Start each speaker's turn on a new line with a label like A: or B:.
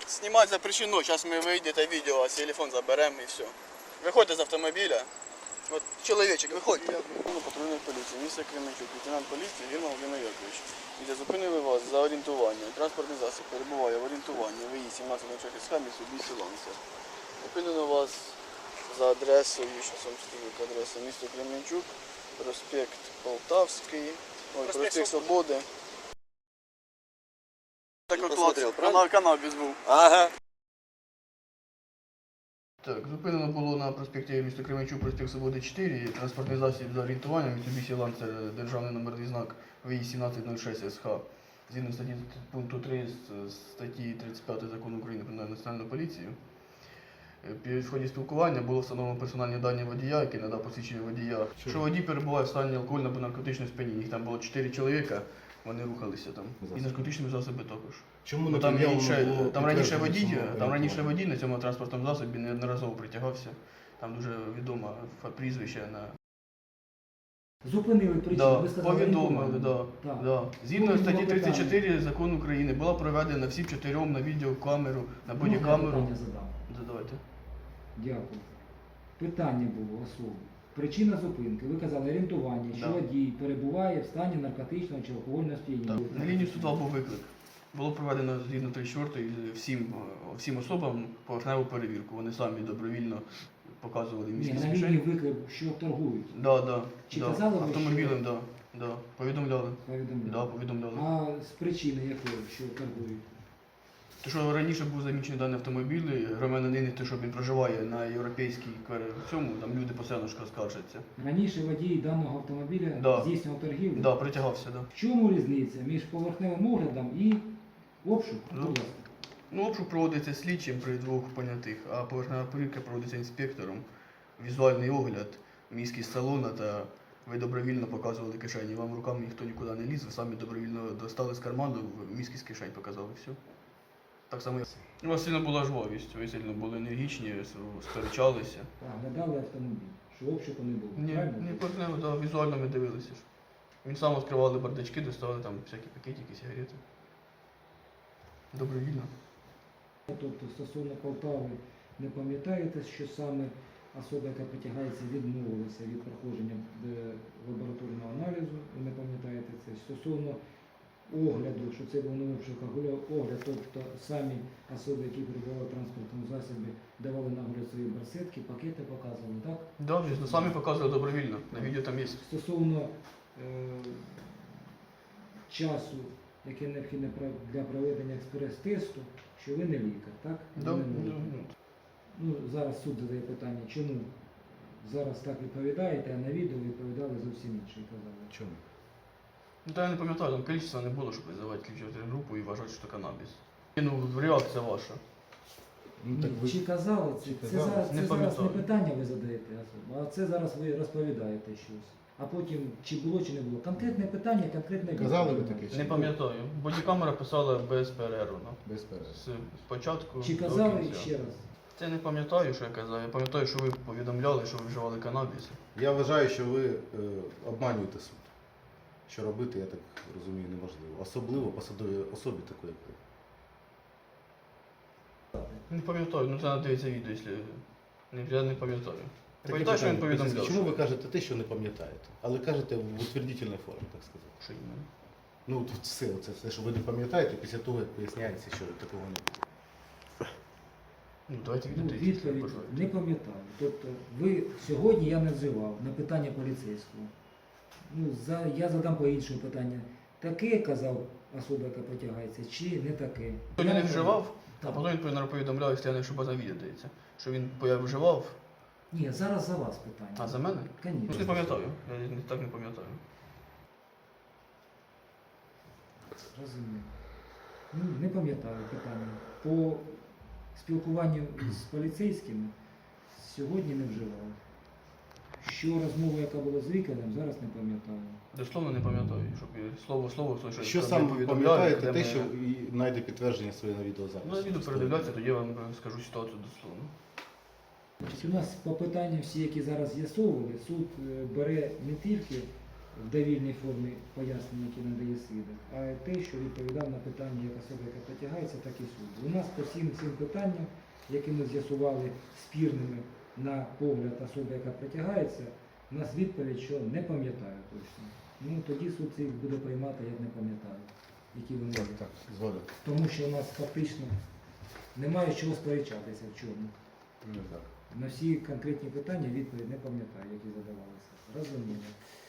A: Знімати запрещено, зараз ми вийдете відео, а телефон заберемо і все. Виходьте з автомобіля. От, чоловічок, виходьте. Патрульної поліції, місто Кременчук, лейтенант поліції Вірма Володимир Яковлевич. Де зупинили вас за орієнтування. Транспортний засіб перебуває в орієнтуванні. ВІ 1706 СХ, місто Ланця. Зупинено вас за адресою, зараз вам скажу, адреса місто Кременчук, проспект Полтавський, проспект Свободи. Так от канабіс був.
B: Ага.
A: Так, зупинено було на проспекті міста Кременчук, проспект Свободи 4, транспортний засіб за орієнтуванням Mitsubishi Lancer, державний номерний знак ВІ 1706 СХ. Згідно статті пункту 3 статті 35 Закону України про національну поліцію. Під ході спілкування було встановлено персональні дані водія, який надав посвідчення водія. Що водій перебуває в стані алкогольного або наркотичного сп'яніння. Їх там було 4 чоловіка, вони рухалися там. І наркотичними засобами також.
B: Чому
A: Ну, там раніше водій на цьому транспортному засобі неодноразово притягався. Там дуже відоме прізвище на...
C: Зупинили причину, ви сказали,
A: повідомили,
C: Так.
A: да. Згідно статті 34 Закону України була проведена всім чотирьом на відеокамеру, на бодікамеру.
C: Питання задам.
A: Задавайте.
C: Дякую. Питання було особи. Причина зупинки. Ви казали орієнтування, що
A: Да.
C: водій перебуває в стані наркотичного чи алкогольного сп'яніння.
A: На лінію 102 був виклик. Було проведено згідно 34 всім особам поверхневу перевірку. Вони самі добровільно показували
C: Ні,
A: міські
C: на лінії
A: кишені.
C: виклик, що торгують.
A: Чи
C: казали ви,
A: автомобілем, повідомляли.
C: Повідомляли.
A: Повідомляли.
C: А з причини якої, що торгують?
A: Те, що раніше був замічений даний автомобіль, громадянин, те, що він проживає на європейській цьому, там люди постійно скаржаться.
C: Раніше водій даного автомобіля
A: Да.
C: здійснював торгівлю.
A: Да, притягався, да.
C: В чому різниця між поверхневим оглядом і обшук?
A: Ну, обшук проводиться слідчим при двох понятих, а поверхнева перевірка проводиться інспектором. Візуальний огляд, міськість салона та ви добровільно показували кишені. Вам руками ніхто нікуди не ліз, ви самі добровільно достали з карману, міськість кишень показали, все. Так само у вас сильно була жвавість, ви сильно були енергічні, сперечалися.
C: Оглядали автомобіль, що обшуку не було. правильно?
A: Ні, поверхнево, да, візуально ми дивилися. Він сам відкривали бардачки, доставали там всякі пакетики, сигарети. Добровільно.
C: Тобто стосовно Полтави не пам'ятаєте, що саме особа, яка притягається, відмовилася від проходження лабораторного аналізу, ви не пам'ятаєте це. Стосовно огляду, що це був не обшук, а огляд, тобто самі особи, які перебували в транспортному засобі, давали на огляд свої барсетки, пакети показували, так?
A: Так, да, самі показували добровільно, на відео там є.
C: Стосовно часу, який необхідний для проведення експрес-тесту, що ви не лікар, так?
A: Да,
C: Ви не можете. Ну, зараз суд задає питання, чому зараз так відповідаєте, а на відео відповідали зовсім інше, казали.
B: Чому?
A: Ну, та я не пам'ятаю, там кількість не було, щоб визивати слідчу групу і вважати, що це канабіс. Ну, реакція ваша.
B: Ну, так ви...
C: Чи казали це?
B: Чи
C: Це
B: казали?
C: зараз,
A: Не
C: це зараз не
A: пам'ятаю.
C: питання ви задаєте, а це зараз ви розповідаєте щось. А потім, чи було, чи не було. Конкретне питання, конкретне
B: Казали ви
C: відповідь.
B: таке?
A: Не пам'ятаю. Бодікамера писала без перерву.
B: Без перерви.
A: З початку
C: Чи
A: до
C: казали
A: кінця.
C: ще раз?
A: Це не пам'ятаю, що я казав. Я пам'ятаю, що ви повідомляли, що ви вживали канабіс.
B: Я вважаю, що ви обманюєте суд. Що робити, я так розумію, неможливо. Особливо посадовій особі такої, як ви.
A: Не пам'ятаю, ну це треба дивитися відео, якщо... Я не пам'ятаю. Я
B: Таке
A: пам'ятаю, що він
B: питання.
A: повідомляв.
B: Чому ви кажете те, що не пам'ятаєте? Але кажете в утвердительній формі, так сказати.
A: Що іменно?
B: Ну, тут все, що ви не пам'ятаєте, після того, як поясняється, що такого не було.
A: Ну, давайте
C: Ну,
A: відео.
C: відповідь не пам'ятаю. Тобто ви сьогодні я не вживав на питання поліцейського. Ну, я задам по іншому питання. Таке казав особа, яка потягається, чи не таке?
A: Він не вживав, а
C: Так.
A: потім він повідомляв, якщо я не ошибаюсь, на відео дається, що він вживав,
C: Ні, зараз за вас питання.
A: а за мене? Ну,
C: Конечно.
A: не пам'ятаю, я так не пам'ятаю.
C: Розумію. Ну, не пам'ятаю питання. По спілкуванню з поліцейськими сьогодні не вживав. Що розмова, яка була з лікарем, зараз не пам'ятаю.
A: Дословно не пам'ятаю, щоб слово,
B: Що
A: там
B: саме
A: не повідомляли,
B: пам'ятаєте,
A: де
B: те,
A: ми-
B: що і знайде підтвердження своє на відеозаписі?
A: Ну, на відео передивляться, тоді я вам скажу ситуацію дословно.
C: Тобто у нас по питанням всі, які зараз з'ясовували, суд бере не тільки в довільній формі пояснення, які надає свідок, а те, що відповідав на питання як особа, яка притягається, так і суд. У нас по всім цим питанням, які ми з'ясували спірними на погляд особи, яка притягається, у нас відповідь, що не пам'ятаю точно. Ну тоді суд їх буде приймати, як не пам'ятаю, які вони
B: Так,
C: є.
B: так, згоден.
C: Тому що у нас фактично немає чого сперечатися в чому.
B: Не так.
C: На всі конкретні питання відповідь не пам'ятаю, які задавалися. Розуміло.